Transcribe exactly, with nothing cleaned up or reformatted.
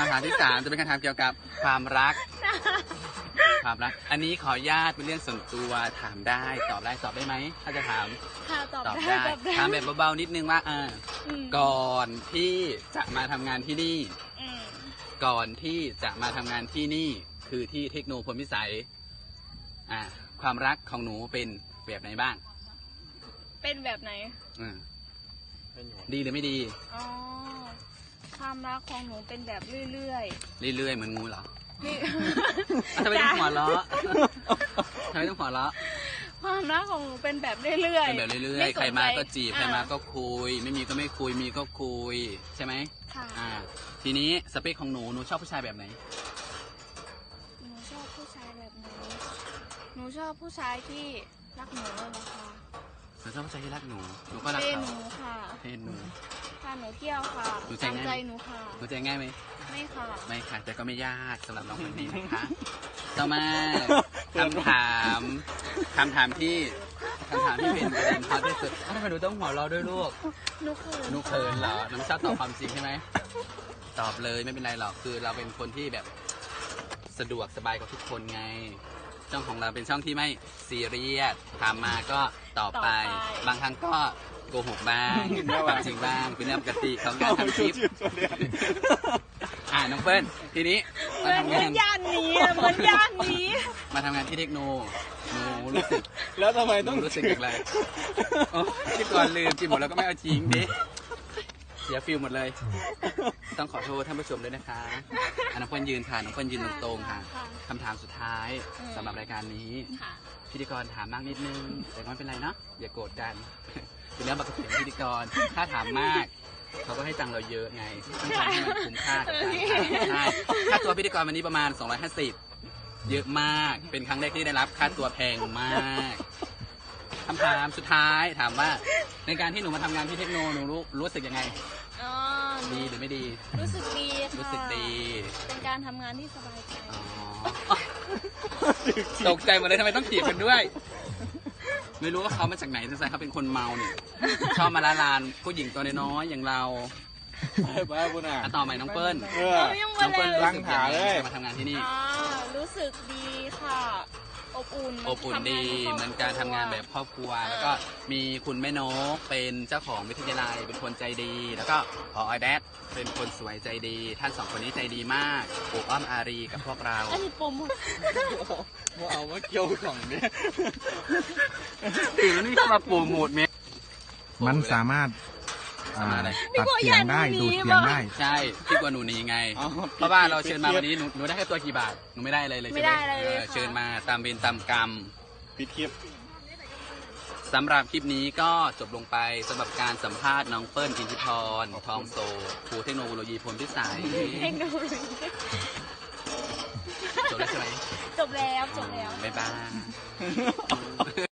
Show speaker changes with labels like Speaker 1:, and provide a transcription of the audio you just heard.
Speaker 1: ำถามที่สามจะเป็นคำถามเกี่ยวกับความรักความรักอันนี้ขออนุญาตเป็นเรื่องส่วนตัวถามได้ตอบได้ตอบได้ไหมถ้าจะถาม
Speaker 2: ค่ะตอบ
Speaker 1: ตอบ
Speaker 2: ได้
Speaker 1: ได้ถามแบบเบาๆนิดนึงว่าอ่าก่อนที่จะมาทำงานที่นี่ก่อนที่จะมาทำงานที่นี่คือที่เทคโนโลยีพลพิสัยอ่าความรักของหนูเป็นแบบไหนบ้าง
Speaker 2: เป็นแบบไหน
Speaker 1: อ่าดีหรือไม่ดี
Speaker 2: อ๋อความรักของหนูเป็นแบบเรื่อย
Speaker 1: ๆเรื่อยๆเหมือนงูเหรอ
Speaker 2: นี่
Speaker 1: ทำไมต้องหัวเราะทำไมต้องหัวเราะ
Speaker 2: ความรักของหนูเป็นแบบเรื่อยๆ
Speaker 1: เป็นแบบเรื่อยๆใครมาก็จีบใครมาก็คุยไม่มีก็ไม่คุยมีก็คุยใช่ไหม
Speaker 2: ค่ะ
Speaker 1: อ่าทีนี้สเปคของหนูหนูชอบผู้ชายแบบไหน
Speaker 2: หนูชอบผู้ชายแบบไหนหนูชอบผู้ชายที่รักหนูเลยนะคะ
Speaker 1: หนูชอบผู้ชายที่รักหนูหนูก็รักเขา
Speaker 2: เทหนูค่ะ
Speaker 1: เทหนู
Speaker 2: พาหนูเที่ยวค่ะตามใจหนูค่ะ
Speaker 1: หนูใจง่ายไหม
Speaker 2: ไม่ค่ะ
Speaker 1: ไม่ค่ะแต่ก็ไม่ยากสำหรับน้องคนนี้นะคะต่อมาคำถามคำถามที่คำถามที่เป็นประเด็นฮอตที่สุดทำไมหนูต้องหัวเราะด้วยลูก
Speaker 2: หนูเขิน
Speaker 1: หนูเขินเหรอหนูชอบตอบความจริงใช่ไหมตอบเลยไม่เป็นไรหรอกคือเราเป็นคนที่แบบสะดวกสบายกับทุกคนไงช่องของเราเป็นช่องที่ไม่ซีเรียสถามมาก็ตอบไปบางครั้งก็โกหกบ้างความจริงบ้างเป็นเรื่องปกติของการทำคลิปอ่าน้องเปิ้ลทีนี้
Speaker 2: มาทำงานย่านนี้เหมือนย่านนี้
Speaker 1: มาทำงานที่เทคโนหนูรู้สึก
Speaker 3: แล้วทำไมต้อง
Speaker 1: รู้สึกอย่างไรคิดก่อนลืมกินหมดแล้วก็ไม่เอาจริงดิเสียฟิลหมดเลยต้องขอโทษท่านผู้ชมด้วยนะคะน้องเปิ้ลยืนค่ะน้องเปิ้ลยืนตรงๆค่ะคำถามสุดท้ายสำหรับรายการนี้พิธีกรถามมากนิดนึงแต่ไม่เป็นไรเนาะอย่าโกรธกันเป็นเรื่องปกติของพิธีกรถ้าถามมากเขาก็ให้ตังเราเยอะไงต้องทำให้มันคุ้มค่ากับการใช่ค่าตัวพิธีกรวันนี้ประมาณสองร้อยห้าสิบเยอะมากเป็นครั้งแรกที่ได้รับค่าตัวแพงมากคำถามสุดท้ายถามว่าในการที่หนูมาทำงานที่เทคโนหนูรู้รู้สึกยังไงดีหรือไม่ดี
Speaker 2: รู้สึกดีค่ะ
Speaker 1: รู้สึกดี
Speaker 2: เป็นการทำงานที่สบายใจ
Speaker 1: ตกใจหมดเลยทำไมต้องถีบกันด้วยไม่รู้ว่าเขามาจากไหนสงสัยเขาเป็นคนเมาเนี่ยชอบมาละลานผู้หญิงตัวน้อยอย่างเรา
Speaker 3: บ้าบุญอ่ะ
Speaker 1: ต่อใหม่น้องเปิ้ล
Speaker 2: น้องเปิ้ล
Speaker 1: รังถาเลยมาทำงานที่นี่
Speaker 2: รู้สึกดีค่ะอบอุ่น
Speaker 1: อบอุ่นดีเหมือนการทำงานแบบครอบครัวแล้วก็มีคุณแม่นกเป็นเจ้าของวิทยาลัยเป็นคนใจดีแล้วก็พอไอแดดเป็นคนสวยใจดีท่านสองคนนี้ใจดีมากปลูกอ้อมอารีกับพวกเรา
Speaker 2: อันนี้ปม
Speaker 3: ว่าเอาว่าเกี่ยวของเนี่ย
Speaker 1: ตื่นแล้วนี่เข้ามาปูหมดเม
Speaker 4: มันสามารถตัดเสียงได้ดูดเสียงได้
Speaker 1: ใช่ที่กว่าหนูนี้ไงเพราะว่าเราเชิญมาวันนี้หนูหนูได้แค่ตัวกี่บาทหนูไม่ได้อะไรเลยใช่ไหมเชิญมาตามเวรตามกรรม
Speaker 3: ปิดคลิป
Speaker 1: สำหรับคลิปนี้ก็จบลงไปสำหรับการสัมภาษณ์น้องเปิ้ลอินทิพรทองโซครูเทคโนโลยีพลพิสัย
Speaker 2: เทคโนโลยี
Speaker 1: จบแล้วใช่ไหม
Speaker 2: จบแล้วจบแล้ว
Speaker 1: บ๊ายบาย